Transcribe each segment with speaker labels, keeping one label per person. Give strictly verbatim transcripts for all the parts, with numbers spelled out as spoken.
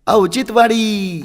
Speaker 1: औचित्यवाडी.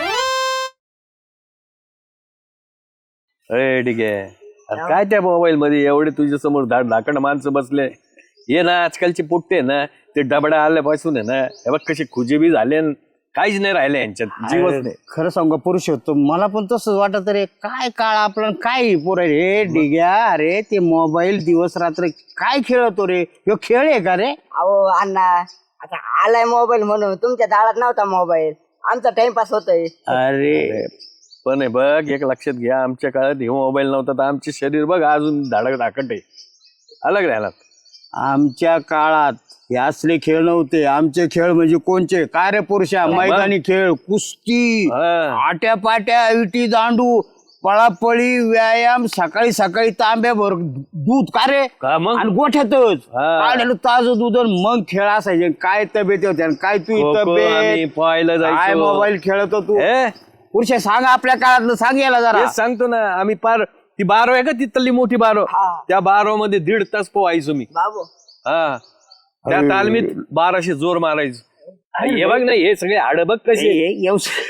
Speaker 2: अरे ठीक आहे. अरे काय त्या मोबाईल मध्ये एवढे तुझ्या समोर धाड धाकड माणसं बसले. ये ना आजकालचे पोट्टे ना ते डबडा आल्यापासून आहे ना हे बघ कसे खुजेबी झाले. काहीच नाही राहिले यांच्यात जीवच नाही.
Speaker 3: खरं सांगू पुरुषोत्तम मला पण तसंच वाटत रे. काय काळ आपलं काय पोर रे डिग्या. अरे ते मोबाईल दिवस रात्र काय खेळतो रे. ह्यो खेळ आहे का रे.
Speaker 4: अहो अण्णा आता आलाय मोबाईल म्हणून तुमच्या दारात नव्हता मोबाईल. आमचा टाइमपास होतोय.
Speaker 3: अरे
Speaker 2: पण हे बघ एक लक्षात घ्या आमच्या काळात हे मोबाईल नव्हता तर आमचे शरीर बघ अजून धाडक धाकट आहे. अलग राहिला.
Speaker 3: आमच्या काळात हे असले खेळ नव्हते. आमचे खेळ म्हणजे कोणचे काय रे पुरुषा. मैदानी खेळ कुस्ती आट्या पाट्या विटी दांडू पळापळी व्यायाम सकाळी सकाळी तांब्याभर दूध का रे
Speaker 2: का मग
Speaker 3: आणि गोठ्यातच काढलं ताजं दूध आणि मग खेळ असायचे. काय तब्येत होत्या काय तू तब्येत
Speaker 2: पाहायला
Speaker 3: काय
Speaker 2: जायचं.
Speaker 3: मोबाईल खेळतो तू
Speaker 2: हे
Speaker 3: पुरुषा सांग आपल्या काळातलं सांग याला जरा.
Speaker 2: तेच सांगतो ना आम्ही पार ती बारो आहे का तिथली मोठी बारो त्या बारो मध्ये दीड तास पोहायचो मी.
Speaker 4: बाबू
Speaker 2: हा त्या तालमीत बाराशे जोर मारायचो. हे बघ ना हे सगळे हाड बघ कसे.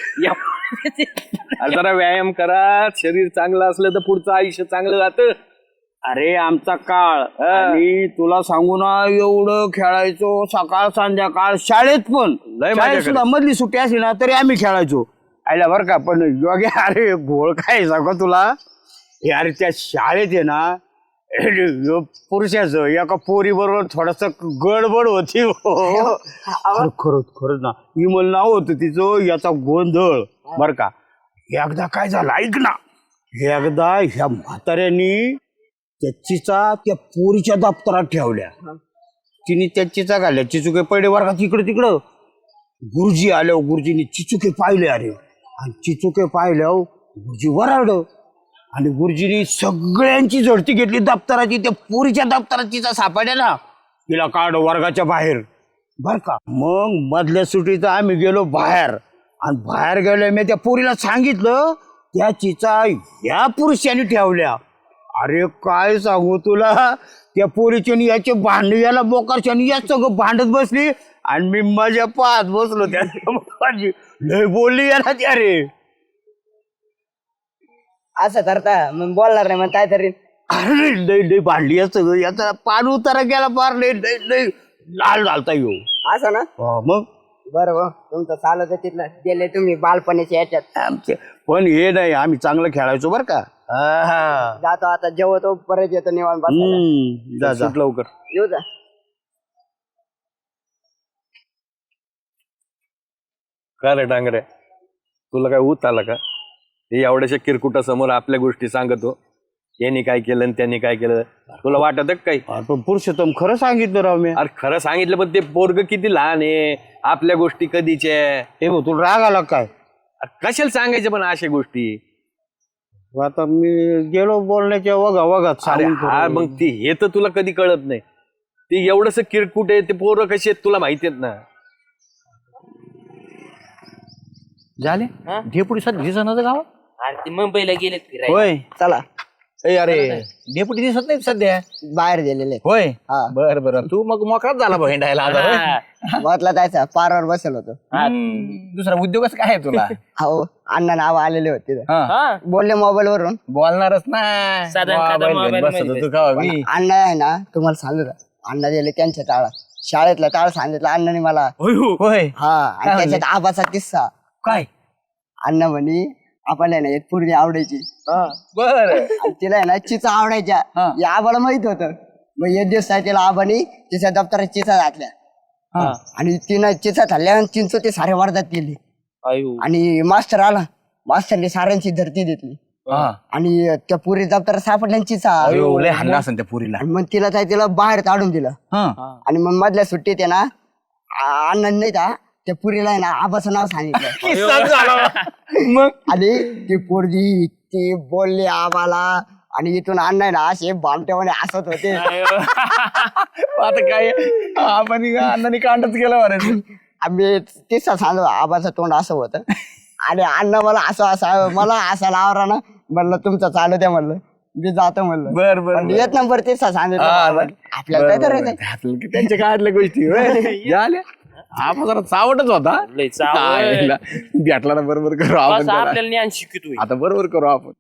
Speaker 2: जरा व्यायाम करा शरीर चांगलं असलं तर पुढचं आयुष्य चांगलं जातं.
Speaker 3: अरे आमचा काळ आणि तुला सांगू ना एवढं खेळायचो सकाळ संध्याकाळ शाळेत पण
Speaker 2: लय मजा
Speaker 3: शाळेत सुद्धा मधली सुट्टी असली ना तरी आम्ही खेळायचो. आयला बरं का पण योग्य अरे घोळ काय सांगू तुला. हे अरे त्या शाळेत आहे ना पुरुषाचं एका पोरी बरोबर थोडस गडबड होती. खरंच खरंच ना विमल नाव होतं तिचं. याचा गोंधळ बर का. एकदा काय झालं ऐक ना. एकदा ह्या म्हाताऱ्यांनी त्या चिचा त्या पोरीच्या दप्तरात ठेवल्या. तिने त्या चिचा घाल्या. चिचुके पडले वर्गात इकडं तिकडं. गुरुजी आल्यावर गुरुजीने चिचुके पाहिले. अरे आणि चिचुके पाहिल्यावर गुरुजी वरारड आणि गुरुजीने सगळ्यांची झडती घेतली दप्तराची. त्या पोरीच्या दप्तराची सापडल्या ना तिला काढ वर्गाच्या बाहेर बर का. मग मधल्या सुट्टीत आम्ही गेलो बाहेर आणि बाहेर गेलो मी त्या पोरीला सांगितलं त्या चिचा या पुरुषांनी ठेवल्या. अरे काय सांगू तुला त्या पोरीच्यानी याचे भांड याला बोकारच्यानी या सगळं भांडत बसली आणि मी मजा पाहत बसलो. त्या लय बोलली याला त्या रे.
Speaker 4: असं करता मग बोलणार नाही मग काय तरी.
Speaker 3: अरे लय लय भांडली या सगळं. याचा पान उतारा गेला पार लय लय लय लाल झालता येऊ
Speaker 4: असं ना.
Speaker 3: मग
Speaker 4: बरोबर तुमचं चालत तिथलं गेले तुम्ही बालपणीच्या याच्यात.
Speaker 3: आमचे पण हे नाही आम्ही चांगलं खेळायचो बर का.
Speaker 4: जातो आता जेवतो परत येतो निवांत बसायला.
Speaker 3: जा जा
Speaker 2: लवकर
Speaker 4: येऊ जा.
Speaker 2: का रे डांगरे तुला काय ऊत आला का. हे एवढ्याशा किरकुटा समोर आपल्या गोष्टी सांगतो. यांनी काय केलं आणि त्यांनी काय केलं तुला वाटत काही.
Speaker 3: पण पुरुषोत्तम खरं सांगितलं राव मी.
Speaker 2: अरे खरं सांगितलं पण ते पोरग किती लहान आहे. आपल्या गोष्टी कधीच्या
Speaker 3: हे भाऊ तुला राग आला काय.
Speaker 2: कशाला सांगायचं पण अशा गोष्टी.
Speaker 3: आता मी गेलो बोलण्याच्या वगा वगात
Speaker 2: अरे हा मग ती हे तर तुला कधी कळत नाही. ते एवढंस किरकुट आहे ते पोरं कशी आहेत तुला माहिती आहेत ना.
Speaker 5: झाले डेपुटी सध्या दिसत गाव.
Speaker 6: अरे ते मुंबईला गेले फिरायला.
Speaker 5: होय
Speaker 4: चला
Speaker 5: ए अरे डेपुटी दिसत नाही सध्या.
Speaker 4: बाहेर गेलेले.
Speaker 5: होय
Speaker 4: हा
Speaker 5: बर बर तू मग मोकळाच झाला भांडायला आता होय?
Speaker 4: म्हटलं जायचं पारावर बसेल होतो.
Speaker 5: हा, दुसरा उद्योगच काय आहे तुला.
Speaker 4: हो अण्णा नाव आलेले होते तिथं.
Speaker 5: हा,
Speaker 4: बोलले मोबाईल वरून.
Speaker 5: बोलणारच ना
Speaker 6: साधं साधं
Speaker 5: मोबाईल
Speaker 6: मोबाईल
Speaker 5: घेऊन बसत
Speaker 6: मध्ये
Speaker 5: होतो का मी.
Speaker 4: अण्णा आहे ना तुम्हाला सांगू का अण्णा गेले त्यांच्या टाळात शाळेतला टाळ सांगितलं अण्णाने मला.
Speaker 5: होय
Speaker 4: हा आणि त्याच्यात आबाचा किस्सा.
Speaker 5: काय
Speaker 4: अण्णा म्हणे आपल्याला ना एक पूर्वी आवडायची
Speaker 5: बर
Speaker 4: आणि तिला आहे ना चिचा आवडायच्या. या आबाला माहित होतं. मग एक दिवस काय तिला आबानी तिच्या दप्तरात चिचा घातल्या आणि तिनं चिचा खाल्ल्या चिंच ते सारे वाढतात गेले. आणि मास्टर आला. मास्टरने साऱ्यांची धरती घेतली आणि त्या पुरी दप्तरात सापडल्या चिचा.
Speaker 5: लय हल्ला असेल त्या पुरीला.
Speaker 4: आणि मग तिला काय तिला बाहेर काढून दिलं. आणि मग मधल्या सुट्टीत आहे ना अण्णा नाही का त्या पुरीला आहे ना आबाचं नाव सांगितलं. मग आणि ती पोरगी ती बोलली आबाला आणि इथून अण्णा आहे ना असे बामट्यामध्ये हसत होते.
Speaker 5: आता काय आपण अण्णांनी कांडच केलं बरं.
Speaker 4: आम्ही तेच सांगतो आबाचं तोंड असं होतं आणि अण्णा मला असं असं मला असा लावरा ना म्हणलं तुमचं चालू द्या म्हणलं मी जातो म्हणलं.
Speaker 5: बर बर
Speaker 4: येत नंबर तेच सांगितलं आपल्याला काय करायचं.
Speaker 5: त्यांच्या काढल्या गोष्टी झाल्या
Speaker 3: आबा जरा चावटच होता
Speaker 6: लय चावट.
Speaker 3: आईला. भेटला ना बरोबर करू आपण
Speaker 6: बस
Speaker 3: त्याला.
Speaker 6: आपल्याला ज्ञान शिकतोय.
Speaker 3: आता बरोबर करू आपण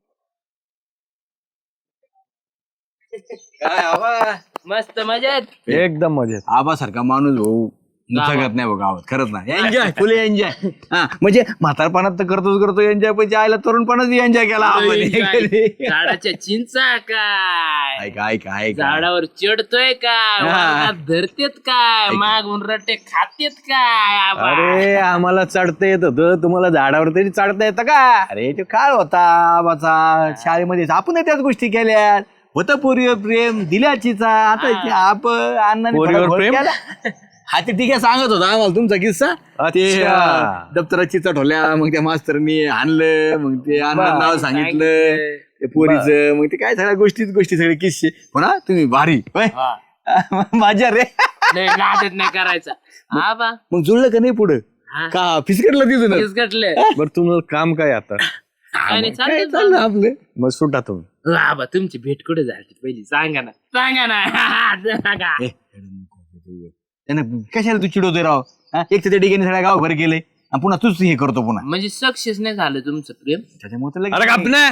Speaker 6: मस्त मजेत.
Speaker 2: एकदम मजेत.
Speaker 3: आबासारखा माणूस भाऊ जगत नाही बघ गावात खरंच ना एन्जॉय फुल एन्जॉय हा म्हणजे म्हातारपणात तर करतोच करतो एन्जॉय पण आयला तरुणपणात एन्जॉय केला आपण
Speaker 6: झाडाच्या चिंचा काय
Speaker 3: ऐक ऐक ऐक
Speaker 6: झाडावर चढतोय काय
Speaker 3: हा.
Speaker 6: वाळात धरतेत काय मागून रट्टे खातेत काय आबा?
Speaker 2: अरे आम्हाला चढता येत होतं तुम्हाला झाडावर तरी चढता येतं का?
Speaker 3: अरे तो काळ होता आबाचा शाळेमध्ये आपण त्याच गोष्टी केल्या होतं पोरीवर प्रेम दिल्याचीचा आता ते आपण अण्णाने
Speaker 2: पोरीवर
Speaker 3: थोडा घोळ
Speaker 2: प्रेम?
Speaker 3: केला. हा ते ठीक आहे सांगत होता आम्हाला तुमचा किस्सा ते
Speaker 2: अच्छा.
Speaker 3: अं, दप्तरात चिचा ठोल्या मग त्या मास्तरनी आणलं मग ते अण्णा नाव सांगितलं ते पोरीचं मग ते काय सगळ्या गोष्टीच गोष्टी सगळे किस्से हो ना तुम्ही भारी होय? माझ्या रे
Speaker 6: लय नाटक नाही करायचा आबा
Speaker 3: मग जुळलं का नाही पुढं
Speaker 6: हा.
Speaker 3: का फिसकटलं तिथून
Speaker 6: फिसकटलं.
Speaker 2: बरं तुम्हाला काम काय आता?
Speaker 6: काय नाही
Speaker 3: काय
Speaker 6: चालतं
Speaker 3: चाललं आपलं
Speaker 2: मग सुटा तुम्ही.
Speaker 6: आबा तुमची भेट कुठे झाली पहिली सांगा ना सांगा ना सांगा.
Speaker 3: ए, त्यानं कशाला तू चिडवतोय राव हा? एक तर त्या ठिकाणी सगळ्या गावभर गेले आणि पुन्हा तूच हे करतो पुन्हा
Speaker 6: म्हणजे सक्सेस नाही झालं तुमचं प्रेम.
Speaker 3: त्याच्यामुळे तर लगेच-
Speaker 2: अरे कापना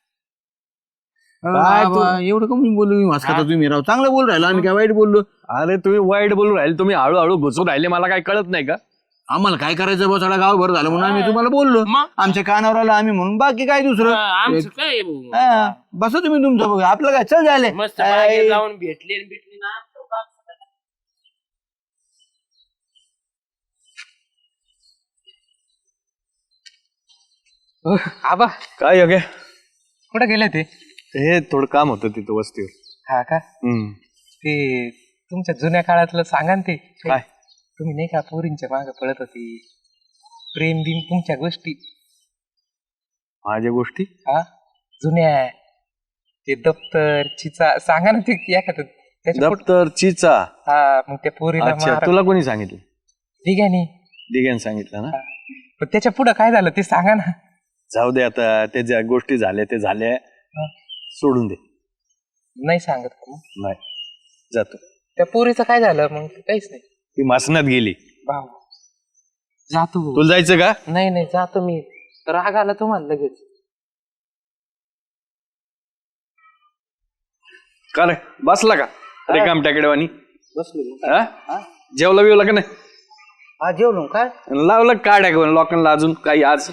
Speaker 3: काय बाबा, एवढं कमी बोलू मी वाचता तुम्ही राव चांगलं बोल राहिलो आम्ही काय वाईट बोललो
Speaker 2: अरे तुम्ही वाईट बोलून राहिले तुम्ही हळूहळू घुसून राहिले मला काय कळत नाही का?
Speaker 3: आम्हाला काय करायचं बा सगळा गावभर झालं म्हणून आम्ही तुम्हाला बोललो
Speaker 6: मग?
Speaker 3: आमच्या कानावर आलं आम्ही म्हणून बाकी काय दुसरं
Speaker 6: आमचं काय भाऊ?
Speaker 3: हा, बसा तुम्ही तुमचं बघा आपलं काय चल झाले
Speaker 6: मस्त बागेत जाऊन भेटले आणि भेटले ना
Speaker 5: आबा
Speaker 2: काय योग्य
Speaker 5: कुठे गेले ते
Speaker 2: हे थोडं काम होतं तिथं वस्तीवर.
Speaker 5: हा का
Speaker 2: हम्म.
Speaker 5: ते तुमच्या जुन्या काळातलं सांगा ना ते
Speaker 2: काय?
Speaker 5: तुम्ही नाही का पोरींच्या मागे पळत होती प्रेम बिम तुमच्या गोष्टी
Speaker 2: माझ्या गोष्टी
Speaker 5: हा जुन्या ते दप्तर चिचा सांगा ना ते एखादं त्याच्या पुढं-
Speaker 2: दप्तर चिचा.
Speaker 5: हा मग त्या पोरीला
Speaker 2: अच्छा
Speaker 5: मार
Speaker 2: तुला कोणी सांगितलं?
Speaker 5: ठीक आहे नी
Speaker 2: दिग्यान सांगितलं ना.
Speaker 5: पण त्याच्या पुढं काय झालं ते सांगा ना.
Speaker 2: जाऊ दे आता ते ज्या गोष्टी झाल्या ते झाल्या
Speaker 5: हा.
Speaker 2: सोडून दे.
Speaker 5: नाही सांगत का मग?
Speaker 2: नाही जातो.
Speaker 5: त्या पोरीचं काय झालं मग ते काहीच नाही
Speaker 2: ती मासनात गेली.
Speaker 5: भाऊ जातो भाऊ.
Speaker 2: तुला जायचं का?
Speaker 5: नाही नाही जातो मी राग आला तुम्हाला लगेच.
Speaker 2: का रे बसला का अरे काम टाकेडवानी
Speaker 4: बसलो
Speaker 2: जेवला बिवला का नाही?
Speaker 4: हा जेवलो काय
Speaker 2: लावलं का टाक लोकांना अजून काही आज?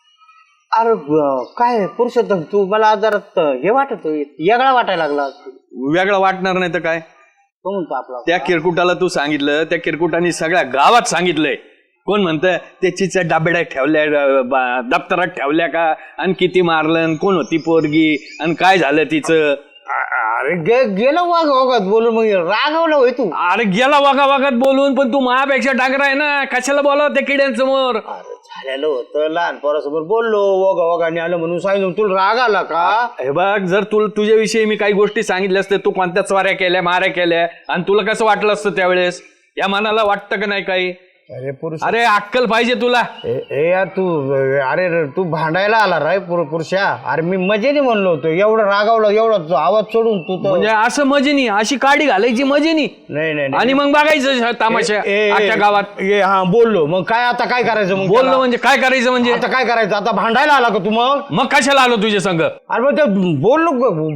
Speaker 4: अरे ब- काय पुरुषोत्तम तू मला जरा त- हे वाटत वेगळा वाटायला लागला
Speaker 2: वेगळं वाटणार नाही तर काय?
Speaker 4: तो म्हणतो आपला
Speaker 2: त्या किरकुटाला तू सांगितलं त्या किरकुटाने सगळ्या गावात सांगितलंय. कोण म्हणतं ते चिच्या डाबेड्यात ठेवल्या अं, बा- दप्तरात ठेवल्या का आणि किती मारलं आणि कोण होती पोरगी आणि काय झालं तिचं?
Speaker 4: अरे गे- गेलं वाघ वागत बोलून मग रागवलं होय तू
Speaker 2: अरे गेला वागा वागत बोलून पण तू माझ्यापेक्षा डांगरा आहे ना कशाला बोलाव त्या किड्यांसमोर?
Speaker 4: अरे झालेलं होतं लहान पोरासमोर बोललो वगा वगाने आलं म्हणून सांगितलं तुला राग आला का
Speaker 2: हे बघ जर तुला तुझ्याविषयी मी काही गोष्टी सांगितल्या असते तू कोणत्या चवाऱ्या केल्या माऱ्या केल्या आणि तुला कसं वाटलं असतं त्यावेळेस? या मनाला वाटतं का नाही काही?
Speaker 4: अरे पुरुष
Speaker 2: अरे अक्कल पाहिजे तुला.
Speaker 4: ए यार तू अरे रे, तू भांडायला आला राय पुर- पुरुषा अरे मी मजेने म्हणलो होतो एवढं रागावलं एवढं तू आवाज सोडून तू तर
Speaker 2: म्हणजे असं मजेनी अशी काडी घालायची मजेनी
Speaker 4: नाही नाही नाही.
Speaker 2: आणि मग बघायचं तामाशा
Speaker 4: ए, ए,
Speaker 2: अख्ख्या गावात.
Speaker 4: ए हा बोललो मग काय आता काय करायचं मग
Speaker 2: बोललो
Speaker 4: त्याला?
Speaker 2: म्हणजे काय करायचं म्हणजे?
Speaker 4: आता काय करायचं आता भांडायला आला का तू मग
Speaker 2: मग कशाला आलो तुझ्या संग?
Speaker 4: अरे मग ते बोललो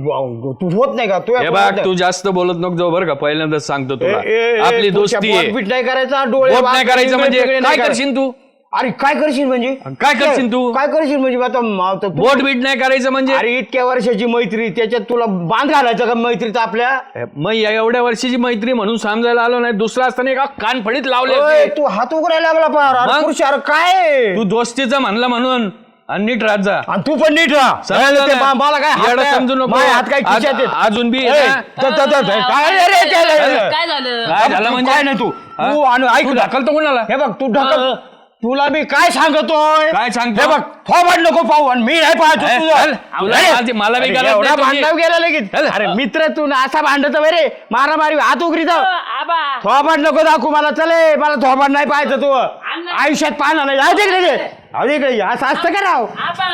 Speaker 4: ग- तू होत नाही का तू
Speaker 2: हे बघ तू जास्त बोलत नको जाऊ बरं का पहिल्यांदाच सांगतो तुला आपली दोस्ती आहे.
Speaker 4: बोट नाही करायचा डोळे
Speaker 2: बोट नाही
Speaker 4: वाकडे
Speaker 2: करायचं म्हणजे
Speaker 4: वेगळे
Speaker 2: काय
Speaker 4: नाही करायचं.
Speaker 2: करशील तू?
Speaker 4: अरे काय करशील म्हणजे
Speaker 2: काय करशील तू?
Speaker 4: काय करशील म्हणजे आता म- आता तू-
Speaker 2: बोट बीट नाही करायचं म्हणजे?
Speaker 4: अरे इतक्या वर्षाची मैत्री त्याच्यात तुला बांध घालायचं का मैत्रीत आपल्या
Speaker 2: मग या एवढ्या वर्षाची मैत्री म्हणून समजायला आलो नाही दुसरा असताना एका कानफडीत लावले
Speaker 4: ओय,
Speaker 2: असते.
Speaker 4: तू हात उघडायला लागला पार अरे
Speaker 2: मग?
Speaker 4: पुरुष, अरे काय
Speaker 2: तू दोस्तीचं म्हणलं म्हणून आणि नीट राहत जा.
Speaker 4: आणि तू पण नीट राहा
Speaker 2: समजलं
Speaker 4: ते
Speaker 2: ना?
Speaker 4: बा- मला काय हात
Speaker 2: येडं
Speaker 4: काय-
Speaker 2: समजू नको.
Speaker 4: माझे हात काय
Speaker 2: आज-
Speaker 4: खिशात आहेत.
Speaker 2: अजून बी
Speaker 4: ए,
Speaker 2: आहे ना?
Speaker 4: त- त- त- त- काय रे रे ते-
Speaker 6: काय झालं?
Speaker 2: काय झालं म्हणजे?
Speaker 4: काय नाही तू
Speaker 2: हा?
Speaker 4: तू आणि ऐक
Speaker 2: तू
Speaker 4: ना.
Speaker 2: ढकलतो कोणाला?
Speaker 4: हे बघ तू ढकल तुला मी काय सांगतोय
Speaker 2: काय सांगतो?
Speaker 4: हे बघ थोबाड नको पाहू आणि मी नाही पाहतो
Speaker 2: ए,
Speaker 4: तुझं.
Speaker 2: चल, तुला
Speaker 4: अरे,
Speaker 2: मला- मला बी
Speaker 4: अरे,
Speaker 2: गरज नाही
Speaker 4: एवढा
Speaker 2: तुझी.
Speaker 4: भांडणाव गेला लगेच
Speaker 2: चल.
Speaker 4: अरे मित्र तू ना असा भांडत रे मारामारी हात उघडी जाऊ
Speaker 6: आबा
Speaker 4: थोबाड नको दाखवू मला चले मला थोबाड नाही पाहायचं तू आयुष्यात पाहणार नाही जाऊ तिकडे ये. जाऊ तिकडे असं असतं का राव
Speaker 6: आबा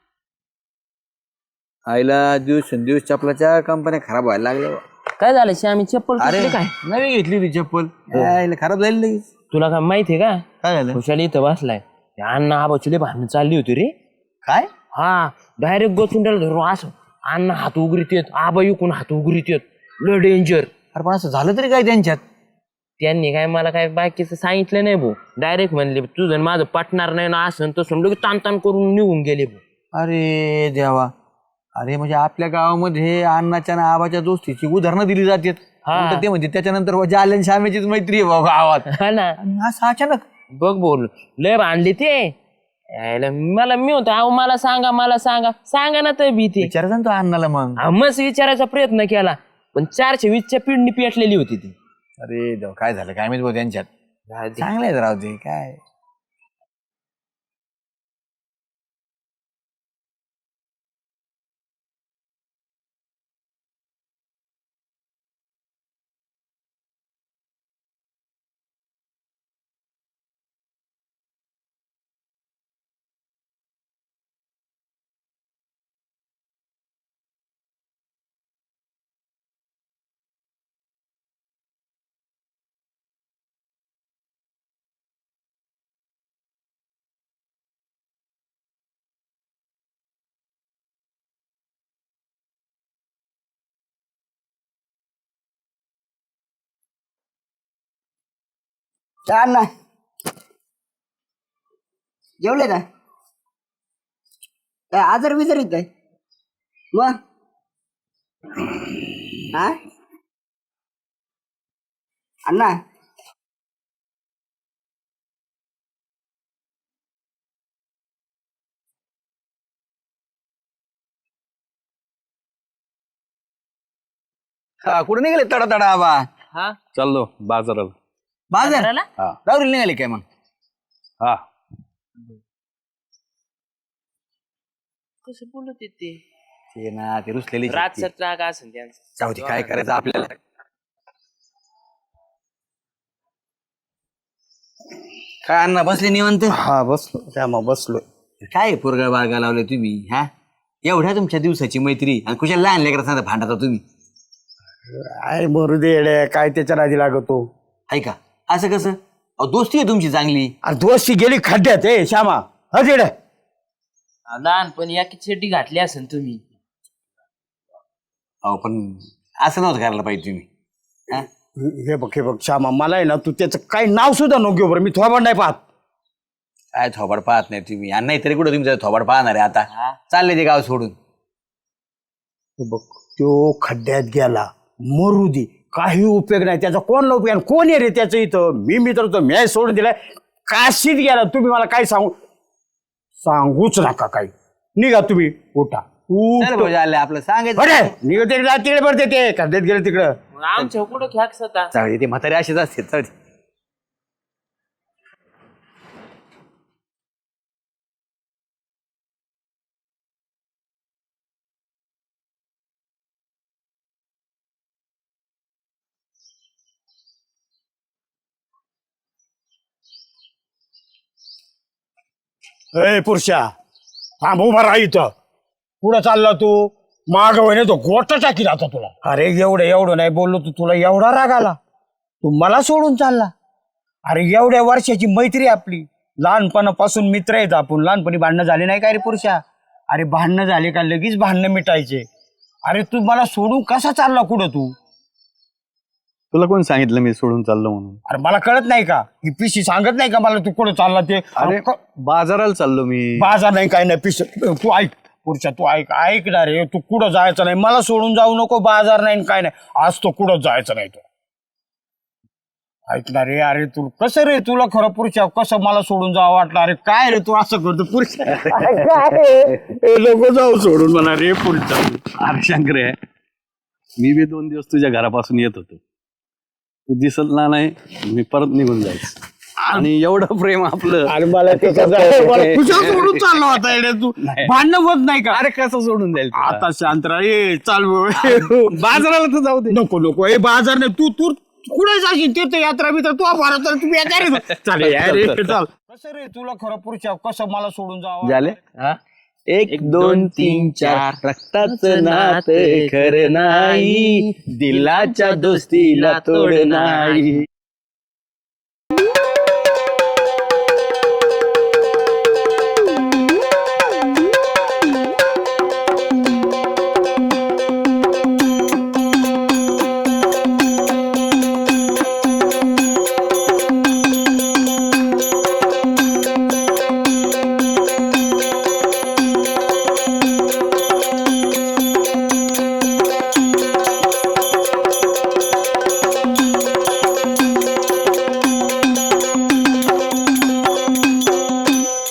Speaker 1: आईला दिवस दिवस चपलाच्या कंपन्या खराब व्हायला लागल्या
Speaker 6: काय झालं श्यामी चप्पल
Speaker 1: अरे
Speaker 6: तुटली काय?
Speaker 1: नवी घेतली होती चप्पल आईला खराब झाली लगेच
Speaker 6: तुला काय माहितीये का
Speaker 1: काय झालं
Speaker 6: खुशाली इथं बसलाय त्या अण्णा आबाची भांडणं चालली होती रे.
Speaker 1: काय
Speaker 6: हा डायरेक्ट गोचून त्याला धरून असं अण्णा हात उघडीत येत आबा इकून हात उघडीत येत लय डेंजर.
Speaker 1: अरे पण असं झालं तरी काय त्यांच्यात
Speaker 6: त्यांनी काय मला काय बाकीचं सांगितलं नाही भाऊ. डायरेक्ट म्हणले तुझं माझं पटणार नाही ना असं तसं लगेच ताण ताण करून निघून गेले भाऊ.
Speaker 1: अरे देवा. अरे म्हणजे आपल्या गावामध्ये अण्णाच्या आणि आबाच्या दोस्तीची उदाहरणं दिली जातात.
Speaker 6: हा.
Speaker 1: नंतर ते म्हणजे त्याच्यानंतर जालन श्यामेचीच मैत्री आहे बाबा गावात.
Speaker 6: हा ना
Speaker 1: आणि असं अचानक
Speaker 6: बघ बोल लय भांडले ते यायला मला मी होतो अहो मला सांगा मला सांगा सांगा ना तर भीती
Speaker 1: विचारायचं ना तो अण्णाला मग.
Speaker 6: मस्त विचारायचा प्रयत्न केला पण चारशे वीसच्या पिंडी पेटलेली होती ती.
Speaker 1: अरे देवा काय झालं काय माहिती भाऊ त्यांच्यात. चांगलं आहे राव ते काय.
Speaker 4: छान ना जेवले ना काय आजार बिजार येत आहे मग हा अण्णा
Speaker 1: हा कुठे निघाले तडा तडा आबा.
Speaker 6: हा
Speaker 2: चाललो बाजाराला.
Speaker 1: बाजार
Speaker 2: हा
Speaker 1: राहुरी निघाले काय मग.
Speaker 2: हा
Speaker 6: कसं बोलत ते
Speaker 1: ते ना ते रुसलेली
Speaker 6: रातचा राग असेल त्यांचा.
Speaker 1: जाऊ दे काय करायचं आपल्याला. काय अण्णा बसले निवंत.
Speaker 3: हा बसलो त्यामुळे बसलोय.
Speaker 1: काय पोरगा बाळगा लावले तुम्ही हा एवढ्या तुमच्या दिवसाची मैत्री आणि कुशल लहान लेकरा सांगा भांडता तुम्ही.
Speaker 3: काय मरू दे येड्या, काय त्याच्या नादी लागतो.
Speaker 1: ऐका असं कसं अहो दोस्ती आहे तुमची चांगली.
Speaker 3: अरे दोस्ती गेली खड्ड्यात ए श्यामा हा येड्या.
Speaker 6: लहानपणी या चड्डी घातली असेल तुम्ही.
Speaker 1: अहो पण असं नव्हतं करायला पाहिजे तुम्ही हा.
Speaker 3: हे बघ हे बघ श्यामा मला आहे ना तू त्याचं काही नाव सुद्धा नको घेऊ बरं. मी थोबड नाही पाहत.
Speaker 1: काय थोबाड पाहत नाही तुम्ही आणि नाहीतरी कुठं तुमचं थोबाड पाहणार आहे आता. चालले ते गाव सोडून.
Speaker 3: हे बघ तो खड्ड्यात गेला मरू दे काही उपयोग नाही त्याचा. कोण उपयोग आणि कोण आहे रे त्याचं इथं. मी मित्र तो मॅच सोडून दिलाय काशीत गेला. तुम्ही मला काय सांगू सांगूच नका काही. निघा तुम्ही उठा
Speaker 1: चल भाऊ, झालं आपलं सांगायचं.
Speaker 3: अरे निघ तिकडे तिकडे पडते ते खड्ड्यात गेले तिकडं.
Speaker 6: मग आमच्या कुठं ख्याक्स होता.
Speaker 1: जाऊ दे, ते म्हातारे असेच असते. जाऊ दे.
Speaker 3: ए पुरुषा थांब उभा राहा इथं. पुढं चालला तू माग वहिने तो गोट टाकी राहतो तुला. अरे एवढं एवढं नाही बोललो तू तुला एवढा राग आला. तू मला सोडून चालला. अरे एवढ्या वर्षाची मैत्री आपली लहानपणापासून मित्र आहेत आपण. लहानपणी भांडणं झाले नाही का रे पुरुषा. अरे भांडणं झाले का लगेच भांडणं मिटायचे. अरे तू मला सोडून कसा चालला कुठं तू.
Speaker 2: तुला कोण सांगितलं मी सोडून चाललो म्हणून.
Speaker 3: अरे मला कळत नाही का ही पिशी सांगत नाही का मला तू कुठं चालला ते.
Speaker 2: अरे बाजाराला चाललो मी.
Speaker 3: बाजार नाही काय नाही पिश तू ऐक पुरुषा तू ऐक ऐक ना रे. तू कुठं जायचं नाही मला सोडून जाऊ नको. बाजार नाही काय नाही आज तो कुठं जायचं नाही तो. ऐकणार रे. अरे तू कसं रे तुला खरं पुरुषा कसं मला सोडून जावं वाटलं. अरे काय रे तू असं करतो पुरुषा. लोक जाऊ सोडून म्हणा रे पुरुषा.
Speaker 2: अरे शंकर आहे मी बी दोन दिवस तुझ्या घरापासून येत होतो. तू दिसत ना नाही मी परत निघून जायचं. आणि एवढं प्रेम आपलं.
Speaker 3: अरे मला तुझ्या सोडून चालला होता येड्या तू. भांडणं होत नाही का.
Speaker 2: अरे कसं सोडून जाईल तुला?
Speaker 3: आता शांत राहा. ए चाल
Speaker 2: बाजाराला तर जाऊ दे.
Speaker 3: नको नको हे बाजार नाही. तू तू कुठे जाशील तीर्थयात्रा मित्र तू भारत तुम्ही चालेल चाल. कसं रे तुला खरं पुरुषा कसं मला सोडून जावं.
Speaker 2: झाले एक दोन तीन चार रक्ताचं नातं खरं नाही दिलाच्या दोस्तीला तोड नाही.